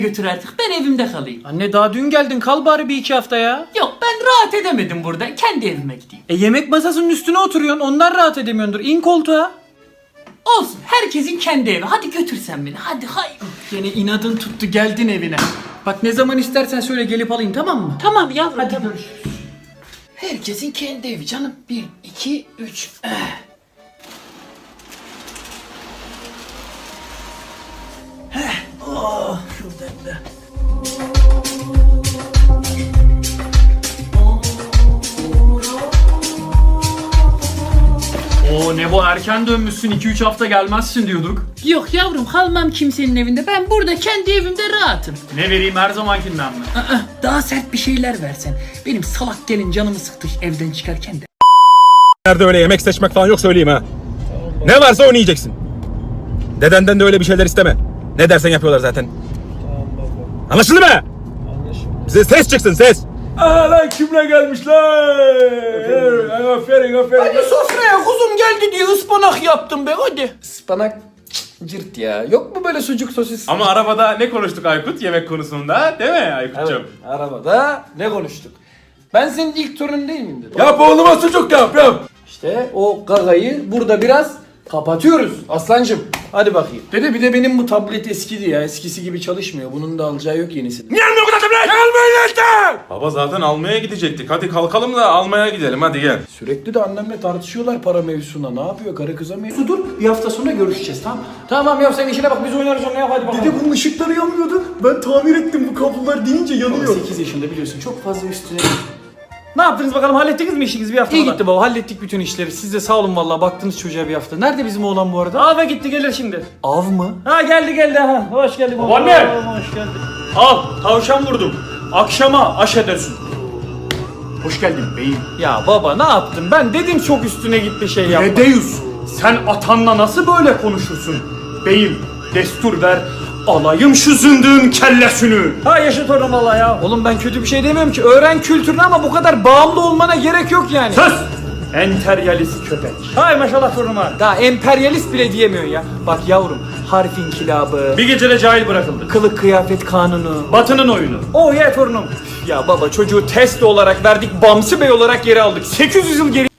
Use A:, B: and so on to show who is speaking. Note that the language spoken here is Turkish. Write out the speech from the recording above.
A: götür artık, ben evimde kalayım.
B: Anne daha dün geldin, kal bari bir iki hafta ya.
A: Yok, ben rahat edemedim burada, kendi evime gideyim.
B: Yemek masasının üstüne oturuyorsun, ondan rahat edemiyordur. İn koltuğa.
A: Olsun, herkesin kendi evi. Hadi götür sen beni, hadi hay.
B: Yine inadın tuttu, geldin evine. Bak ne zaman istersen söyle, gelip alayım, tamam mı?
A: Tamam yavrum,
B: Hadi
A: tamam.
B: görüşürüz.
A: Herkesin kendi evi canım. 1, 2, 3.
B: Şuradan da. Oo ne bu, erken dönmüşsün, 2-3 hafta gelmezsin diyorduk.
A: Yok yavrum, kalmam kimsenin evinde. Ben burada kendi evimde rahatım.
B: Ne vereyim, her zamankinden mi?
A: Daha sert bir şeyler versen. Benim salak gelin canımı sıktı evden çıkarken de.
C: Nerede öyle yemek seçmek falan yok, söyleyeyim ha. Ne varsa onu yiyeceksin. Dedenden de öyle bir şeyler isteme. Ne dersen yapıyorlar zaten. Anlaşıldı mı? Bize ses çıksın, ses. Aa lan, kimle gelmişler? Aferin.
B: Hadi sofraya, kuzum geldi diye ıspanak yaptım be, hadi.
D: Ispanak cırt ya. Yok mu böyle sucuk sosis?
C: Ama arabada ne konuştuk Aykut yemek konusunda, değil mi Aykut'cum?
D: Evet, arabada ne konuştuk? Ben senin ilk torunun değil miyim dedim.
C: Yap oğluma sucuk yap.
D: İşte o gagayı burada biraz kapatıyoruz aslancım. Hadi bakayım.
B: Dede bir de benim bu tablet eskidi ya, eskisi gibi çalışmıyor. Bunun da alacağı yok yenisini.
C: Gelme o kadar tablet. Gelmeyin işte. Baba zaten almaya gidecektik. Hadi kalkalım da almaya gidelim, hadi gel.
B: Sürekli de annemle tartışıyorlar para mevzusuna. Ne yapıyor karı kıza mevzu? Dur, bir hafta sonra görüşeceğiz, tamam mı?
D: Tamam ya, sen işine bak, biz oynarız onu, yap hadi bakalım.
B: Dede bunun ışıkları yanmıyordu. Ben tamir ettim, bu kablolar deyince yanıyor. 8 yaşında biliyorsun, çok fazla üstüne.
D: Ne yaptınız bakalım, hallettiniz mi işinizi bir hafta
B: İyi
D: sonra?
B: gitti baba, hallettik bütün işleri. Siz de sağ olun vallahi, baktınız çocuğa bir hafta. Nerede bizim oğlan bu arada?
D: Ava gitti, gelir şimdi.
B: Av mı?
D: Ha geldi ha, hoş geldin.
B: Babaanne!
D: Hoş geldin.
B: Al, tavşan vurdum. Akşama aş edersin. Hoş geldin beyim.
D: Ya baba ne yaptın? Ben dedim çok üstüne gitti şey yapma.
B: Edeus, sen atanla nasıl böyle konuşursun? Beyim, destur ver, alayım şu zındığın kellesini.
D: Ha yaşa torunum valla ya. Oğlum ben kötü bir şey demiyorum ki. Öğren kültürünü ama bu kadar bağımlı olmana gerek yok yani.
B: Sus! Enteryalist köpek.
D: Hay maşallah torunuma. Daha emperyalist bile diyemiyorsun ya. Bak yavrum, harf inkılabı,
B: Bir gecede cahil bırakıldı.
D: kılık kıyafet kanunu.
B: Batı'nın oyunu.
D: Oh ya torunum. Ya baba çocuğu test olarak verdik, Bamsı Bey olarak geri aldık. 800 yıl geri